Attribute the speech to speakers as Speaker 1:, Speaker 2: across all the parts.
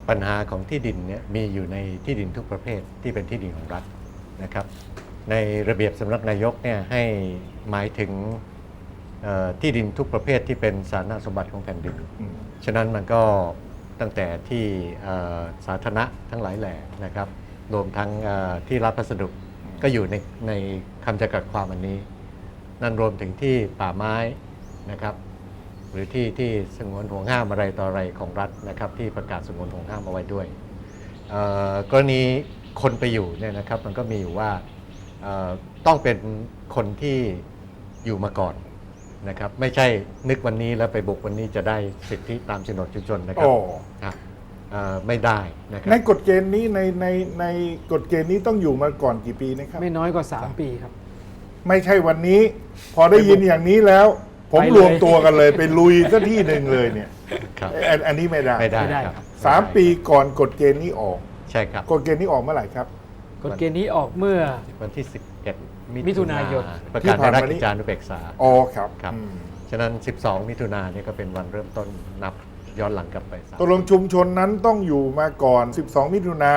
Speaker 1: ปัญหาของที่ดินเนี่ยมีอยู่ในที่ดินทุกประเภทที่เป็นที่ดินของรัฐนะครับในระเบียบสำนักนายกเนี่ยให้หมายถึงที่ดินทุกประเภทที่เป็นสาธารณสมบัติของแผ่นดินฉะนั้นมันก็ตั้งแต่ที่สาธารณะทั้งหลายแหล่นะครับรวมทั้งที่รับพัสดุก็อยู่ในคำจำกัดความอันนี้นั่นรวมถึงที่ป่าไม้นะครับหรือที่สงวนห่วงห้ามอะไรต่ออะไรของรัฐนะครับที่ประกาศสงวนห่วงห้ามเอาไว้ด้วยกรณีคนไปอยู่เนี่ยนะครับมันก็มีอยู่ว่าต้องเป็นคนที่อยู่มาก่อนนะครับไม่ใช่นึกวันนี้แล้วไปบุกวันนี้จะได้สิทธิตามโฉนดชุมชนนะครับไม่ได้นะครับ
Speaker 2: ในกฎเกณฑ์นี้ในกฎเกณฑ์นี้ต้องอยู่มาก่อนกี่ปีนะครับ
Speaker 3: ไม่น้อยกว่า3 ปีครับ
Speaker 2: ไม่ใช่วันนี้พอได้ยินอย่างนี้แล้วผมรวมตัวกันเลยไปลุยสักที่หนึ่งเลยเนี่ยอันนี้ไม่ได้
Speaker 1: ครับ
Speaker 2: 3 ปีก่อนกฎเกณฑ์นี้ออก
Speaker 1: ใช่ครับ
Speaker 2: กฎเกณฑ์นี้ออกเมื่อไหร่ครับ
Speaker 3: กฎเกณฑ์นี้ออกเมื่อ
Speaker 1: วันที่11มิถุนายนประกาศในราชกิจจานุเบกษา
Speaker 2: อ๋อครับ
Speaker 1: ฉะนั้น12มิถุนายนนี่ก็เป็นวันเริ่มต้นนับย้อนหลังกลับไป
Speaker 2: ตกลงชุมชนนั้นต้องอยู่มาก่อน12มิถุนา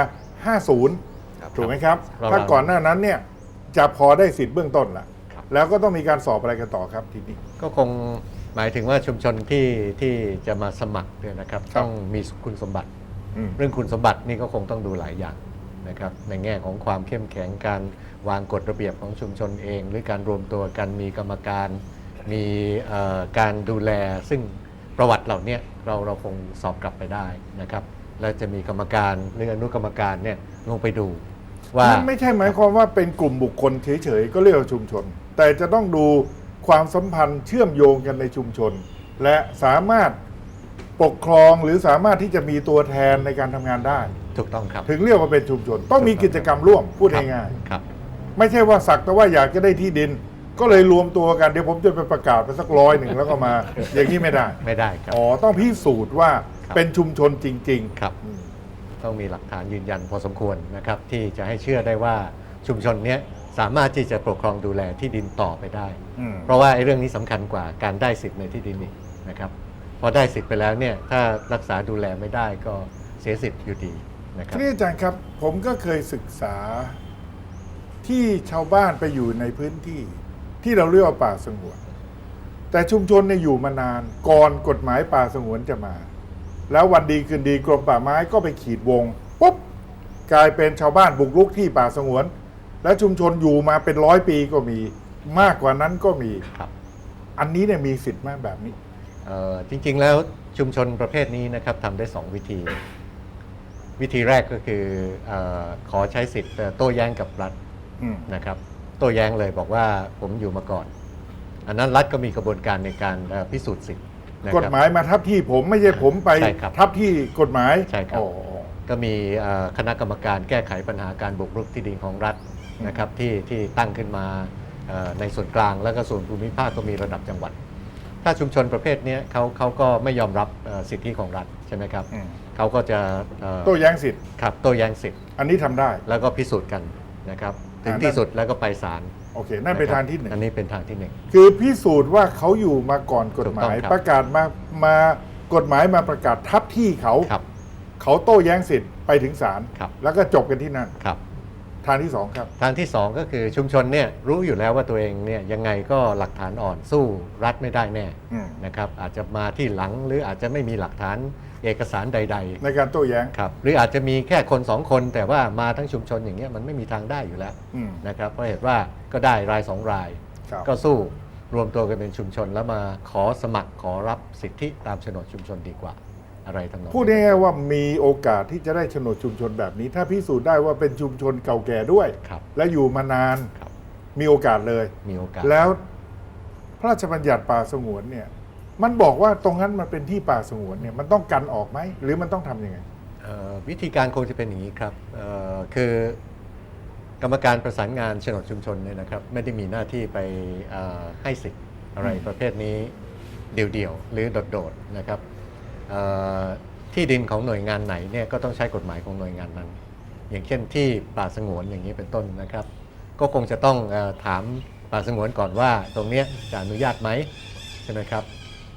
Speaker 2: 50ถูกไหมครับถ้าก่อนหน้านั้นเนี่ยจะพอได้สิทธิ์เบื้องต้นละแล้วก็ต้องมีการสอบอะไรกันต่อครับทีนี้
Speaker 1: ก็คงหมายถึงว่าชุมชนที่จะมาสมัครเนี่ยนะครับต้องมีคุณสมบัติเรื่องคุณสมบัตินี่ก็คงต้องดูหลายอย่างนะครับในแง่ของความเข้มแข็งการวางกฎระเบียบของชุมชนเองหรือการรวมตัวกันมีกรรมการมีการดูแลซึ่งประวัติเหล่านี้เราคงสอบกลับไปได้นะครับแล้วจะมีกรรมการหรืออนุกรรมการเนี่ยลงไปดูว่า
Speaker 2: ไม่ใช่หมายความว่าเป็นกลุ่มบุคคลเฉยๆก็เรียกว่าชุมชนแต่จะต้องดูความสัมพันธ์เชื่อมโยงกันในชุมชนและสามารถปกครองหรือสามารถที่จะมีตัวแทนในการทำงานได้
Speaker 1: ถูกต้องครับ
Speaker 2: ถึงเรียกว่าเป็นชุมชนต้องมีกิจกรรมร่วมพูดง่ายๆไม่ใช่ว่าสักแต่ว่าอยากจะได้ที่ดินก็เลยรวมตัวกันเดี๋ยวผมจะไปประกาศไปสัก100แล้วก็มาอย่างนี้ไม่ได้
Speaker 1: ครับ
Speaker 2: อ๋อต้องพิสูจน์ว่าเป็นชุมชนจริง
Speaker 1: ๆครับต้องมีหลักฐานยืนยันพอสมควรนะครับที่จะให้เชื่อได้ว่าชุมชนนี้สามารถที่จะปกครองดูแลที่ดินต่อไปได้เพราะว่าไอ้เรื่องนี้สำคัญกว่าการได้สิทธิ์ในที่ดินนี่นะครับพอได้สิทธิ์ไปแล้วเนี่ยถ้ารักษาดูแลไม่ได้ก็เสียสิทธิ์อยู่ดีนะครับ
Speaker 2: นี่อาจารย์ครับผมก็เคยศึกษาที่ชาวบ้านไปอยู่ในพื้นที่ที่เราเรียกว่าป่าสงวนแต่ชุมชนเนี่ยอยู่มานานก่อนกฎหมายป่าสงวนจะมาแล้ววันดีคืนดีกรมป่าไม้ก็ไปขีดวงปุ๊บกลายเป็นชาวบ้านบุกรุกที่ป่าสงวนและชุมชนอยู่มาเป็น100 ปีก็มีมากกว่านั้นก็มีอันนี้เนี่ยมีสิทธิ์ไหมแบบนี้
Speaker 1: จริงๆแล้วชุมชนประเภทนี้นะครับทำได้2 วิธีวิธีแรกก็คือขอใช้สิทธิ์โต้แย้งกับรัฐนะครับโต้แย้งเลยบอกว่าผมอยู่มาก่อนอันนั้นรัฐก็มีกระบวนการในการพิสูจน์สิทธิ์
Speaker 2: กฎหมายมาทับที่ผมไม่ใช่ผมไปทับที่กฎหมาย
Speaker 1: ใช่ครับก็มีคณะกรรมการแก้ไขปัญหาการบุกรุกที่ดินของรัฐนะครับที่ตั้งขึ้นมาในส่วนกลางแล้วก็ส่วนภูมิภาคก็มีระดับจังหวัดถ้าชุมชนประเภทนี้เขาก็ไม่ยอมรับสิทธิของรัฐใช่ไหมครับเขาก็จะ
Speaker 2: โต้แย้งสิทธิ์
Speaker 1: ครับโต้แย้งสิทธิ์
Speaker 2: อันนี้ทำได้
Speaker 1: แล้วก็พิสูจน์กันนะครับถึงที่สุดแล้วก็ไปศาล
Speaker 2: โอเคนั่นเป็นทางที่1
Speaker 1: อันนี้เป็นทางที่1
Speaker 2: คือพิสูจน์ว่าเขาอยู่มาก่อนกฎหมายประกาศมากฎหมายมาประกาศทับที่เขาโต้แย้งสิทธิ์ไปถึงศาลแล้วก็จบกันที่นั่นทางที่2ครับ
Speaker 1: ทางที่2ก็คือชุมชนเนี่ยรู้อยู่แล้วว่าตัวเองเนี่ยยังไงก็หลักฐานอ่อนสู้รัฐไม่ได้แน่นะครับอาจจะมาที่หลังหรืออาจจะไม่มีหลักฐานเอกสารใดๆ
Speaker 2: ในการโต้แย้ง
Speaker 1: ครับหรืออาจจะมีแค่คน2 คนแต่ว่ามาทั้งชุมชนอย่างเงี้ยมันไม่มีทางได้อยู่แล้วนะครับเพราะเหตุว่าก็ได้ราย2 รายก็สู้รวมตัวกันเป็นชุมชนแล้วมาขอสมัครขอรับสิทธิตามโฉนดชุมชนดีกว่าอะไรทั้งนั้น
Speaker 2: พูดง่ายๆว่ามีโอกาสที่จะได้โฉนดชุมชนแบบนี้ถ้าพิสูจน์ได้ว่าเป็นชุมชนเก่าแก่ด้วยและอยู่มานานมีโอกาสเลย
Speaker 1: มีโอกาส
Speaker 2: แล้วพระราชบัญญัติป่าสงวนเนี่ยมันบอกว่าตรงนั้นมันเป็นที่ป่าสงวนเนี่ยมันต้องกันออกไหมหรือมันต้องทำยังไง
Speaker 1: วิธีการคงจะเป็นอย่างนี้ครับคือกรรมการประสานงานโฉนดชุมชนเนี่ยนะครับไม่ได้มีหน้าที่ไปให้สิทธิ์อะไรประเภทนี้เดี่ยวๆหรือโดดๆนะครับที่ดินของหน่วยงานไหนเนี่ยก็ต้องใช้กฎหมายของหน่วยงานนั้นอย่างเช่นที่ป่าสงวนอย่างนี้เป็นต้นนะครับก็คงจะต้องถามป่าสงวนก่อนว่าตรงนี้จะอนุญาตไหมใช่ไหมครับ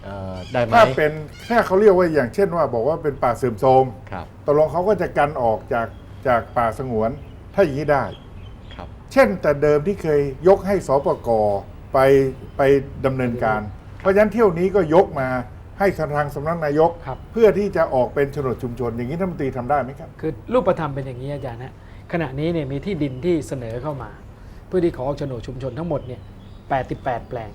Speaker 1: ได้ไหม
Speaker 2: ถ้าเขาเรียกว่าอย่างเช่นว่าบอกว่าเป็นป่าเสื่อมโทรม
Speaker 1: ครับ
Speaker 2: ตกลงเขาก็จะกันออกจากป่าสงวนถ้าอย่างนี้ได้
Speaker 1: ครับ
Speaker 2: เช่นแต่เดิมที่เคยยกให้สปกไปดำเนินการ เพราะฉะนั้นเที่ยวนี้ก็ยกมาให้ทางสำนักนายก
Speaker 3: ครับ
Speaker 2: เพื่อที่จะออกเป็นโฉนดชุมชน อย่างนี้ท่านรัฐมนตรีทำได้ไหมครับ
Speaker 3: คือรูปธรรมเป็นอย่างนี้อาจารย์นะขณะนี้เนี่ยมีที่ดินที่เสนอเข้ามา เพื่อที่ขอออกโฉนดชุมชนทั้งหมดเนี่ย88 แปลง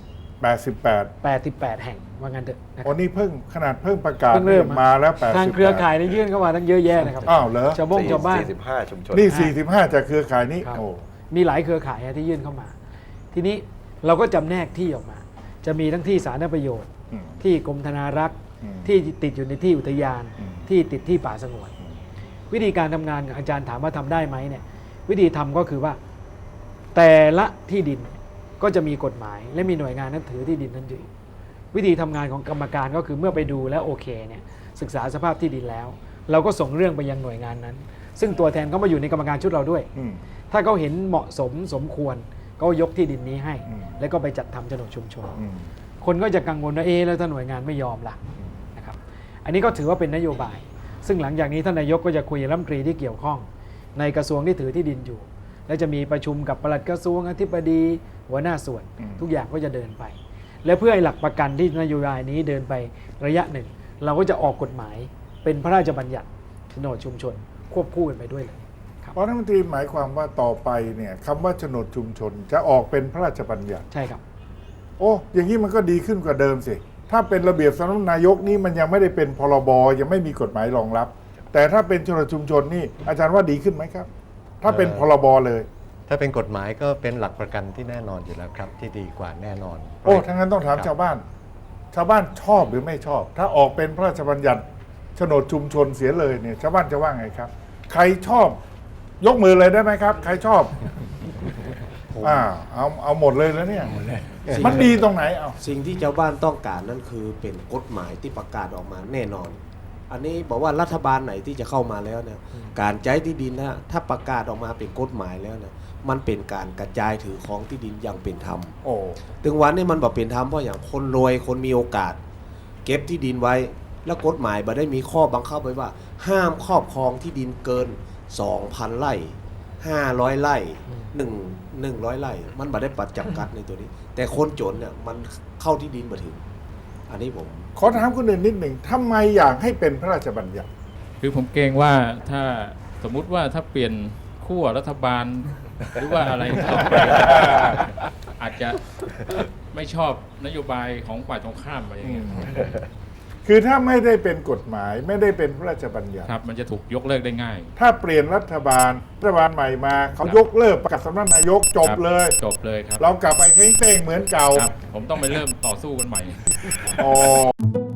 Speaker 2: 88
Speaker 3: 88 แห่งว่างั้นเถอะนะค
Speaker 2: อ๋อ
Speaker 3: รับ
Speaker 2: นี่เพิ่งประกาศ
Speaker 3: เพิ่งเริ่ม
Speaker 2: มาแล้ว88
Speaker 3: ทางเครือข่ายเนี่ยยื่นเข้ามาตั้งเยอะแยะนะครับ
Speaker 2: อ้าวเหรอ
Speaker 3: ชาวบ้าน
Speaker 4: 45 ชุมชน
Speaker 2: นี่ 45 จากเครือข่ายนี้
Speaker 3: ครับ
Speaker 2: โอ้
Speaker 3: มีหลายเครือข่ายที่ยื่นเข้ามา ทีนี้เราก็จำแนกที่ออกมา จะมีทั้งที่สาธารณประโยชน์
Speaker 2: อืม
Speaker 3: ที่กรมธนารักษ์
Speaker 2: อืม
Speaker 3: ที่ติดอยู่ในที่อุทยาน
Speaker 2: อืม
Speaker 3: ที่ติดที่ป่าสงวน วิธีการทำงานอาจารย์ถามว่าทำได้ไหมเนี่ยวิธีทำก็คือว่า แต่ละที่ดินก็จะมีกฎหมาย และมีหน่วยงานนั้นถือที่ดินนั้นอยู่วิธีทำงานของกรรมการก็คือเมื่อไปดูแล้วโอเคเนี่ยศึกษาสภาพที่ดินแล้ว เราก็ส่งเรื่องไปยังหน่วยงานนั้น ซึ่งตัวแทนก็มาอยู่ในกรรมการชุดเราด้วย
Speaker 2: อืม
Speaker 3: ถ้าเขาเห็นเหมาะสมสมควรก็ยกที่ดินนี้ให้
Speaker 2: อืม
Speaker 3: แล้วก็ไปจัดทำโฉนดชุมชน
Speaker 2: อืม
Speaker 3: คนก็จะกังวลว่าแล้วถ้าหน่วยงานไม่ยอมล่ะนะครับอันนี้ก็ถือว่าเป็นนโยบาย ซึ่งหลังจากนี้ท่านนายกก็จะคุยกับรัฐมนตรีที่เกี่ยวข้อง ในกระทรวงที่ถือที่ดินอยู่ และจะมีประชุมกับปลัดกระทรวงอธิบดีหัวหน้าส่วน ทุกอย่างก็จะเดินไป และเพื่อให้หลักประกันที่นโยบายนี้เดินไประยะหนึ่ง เราก็จะออกกฎหมายเป็นพระราชบัญญัติโฉนดชุมชน ควบคู่กันไปด้วยเลยครับ
Speaker 2: เพราะรัฐมนตรีหมายความว่าต่อไปเนี่ยคำว่าโฉนดชุมชนจะออกเป็นพระราชบัญญัติ
Speaker 3: ใช่ครับ
Speaker 2: โอ้อย่างนี้มันก็ดีขึ้นกว่าเดิมสิ ถ้าเป็นระเบียบสำนักนายกนี่มันยังไม่ได้เป็นพรบยังไม่มีกฎหมายรองรับ แต่ถ้าเป็นโฉนดชุมชนนี่อาจารย์ว่าดีขึ้นไหมครับ ถ้าเป็นพรบเลย
Speaker 1: ถ้าเป็นกฎหมายก็เป็นหลักประกันที่แน่นอนอยู่แล้วครับ ที่ดีกว่าแน่นอน
Speaker 2: โอ้ทั้างนั้นต้องถาม
Speaker 1: ครับ
Speaker 2: ชาวบ้าน ชาวบ้านชอบหรือไม่ชอบ ถ้าออกเป็นพระราชบัญญัติโฉนดชุมชนเสียเลยเนี่ยชาวบ้านจะว่าไงครับ ใครชอบ ยกมือเลยได้ไหมครับ ใครชอบเอาหมดเลยแล้วเนี่ย มันดีตรงไหนเอา
Speaker 5: สิ่งที่ชาวบ้านต้องการนั่นคือเป็นกฎหมายที่ประกาศออกมาแน่นอน อันนี้บอกว่ารัฐบาลไหนที่จะเข้ามาแล้วเนี่ยการใช้ที่ดินนะถ้าประกาศออกมาเป็นกฎหมายแล้วเนี่ยมันเป็นการกระจายถือของที่ดินอย่างเป็นธรรม
Speaker 2: โอ้
Speaker 5: ถึงวันนี้มันบอกเป็นธรรมเพราะอย่างคนรวยคนมีโอกาส เก็บที่ดินไว้ แล้วกฎหมายบ่ได้มีข้อบังคับไว้ว่า ห้ามครอบครองที่ดินเกิน 2,000 ไร่500 ไร่100 ไร่มันบ่ได้ปัดจำกัดในตัวนี้ แต่คนจนเนี่ยมันเข้าที่ดินมาถึง อันนี้ผม
Speaker 2: ขอถามคุณอื่นนิดหนึ่งทำไมอยากให้เป็นพระราชบัญญัติ
Speaker 6: คือผมเกรงว่าถ้าสมมุติว่าถ้าเปลี่ยนขั้วรัฐบาล หรือว่าอะไรต่อไปอาจจะไม่ชอบนโยบายของฝ่ายตรงข้ามไปอย่างเงี้ย
Speaker 2: คือถ้าไม่ได้เป็นกฎหมายไม่ได้เป็นพระราชบัญญัติ
Speaker 6: ครับมันจะถูกยกเลิกได้ง่าย
Speaker 2: ถ้าเปลี่ยนรัฐบาลใหม่มาเขา
Speaker 6: ครับ
Speaker 2: ยกเลิกประกาศสำนักนายกจบ
Speaker 6: ครับ
Speaker 2: เลย
Speaker 6: จบเลยครับ
Speaker 2: เรากลับไปเท้งเต้งเหมือนเก่า
Speaker 6: ครับ ผมต้องไปเริ่มต่อสู้กันใหม่
Speaker 2: อ๋อ